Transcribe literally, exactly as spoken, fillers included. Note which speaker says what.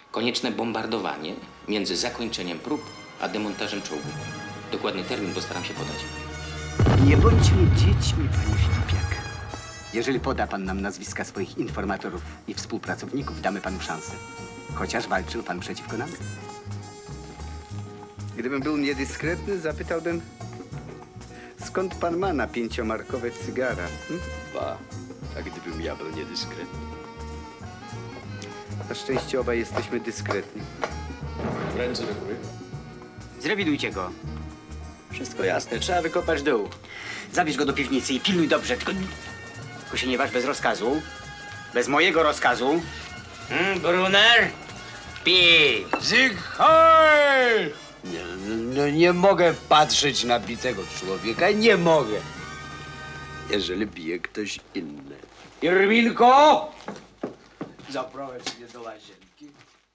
Speaker 1: Konieczne bombardowanie między zakończeniem prób a demontażem czołgu. Dokładny termin postaram się podać.
Speaker 2: Nie bądźmy dziećmi, panie Filipiak. Jeżeli poda pan nam nazwiska swoich informatorów i współpracowników, damy panu szansę. Chociaż walczył pan przeciwko nam. Gdybym był niedyskretny, zapytałbym, skąd pan ma na pięciomarkowe cygara? Hm?
Speaker 3: Ba, a gdybym ja był niedyskretny?
Speaker 2: Na szczęście obaj jesteśmy dyskretni.
Speaker 3: Ręce do góry.
Speaker 2: Zrewidujcie go.
Speaker 3: Wszystko jasne, trzeba wykopać dół.
Speaker 2: Zabierz go do piwnicy i pilnuj dobrze, tylko... Tylko się nie waż bez rozkazu. Bez mojego rozkazu.
Speaker 1: Hmm, Brunner? Pij!
Speaker 3: Zygheil! Nie, no, nie mogę patrzeć na bitego człowieka, nie mogę. Jeżeli bije ktoś inny. Irwinko! Zaprowadź mnie do łazienki.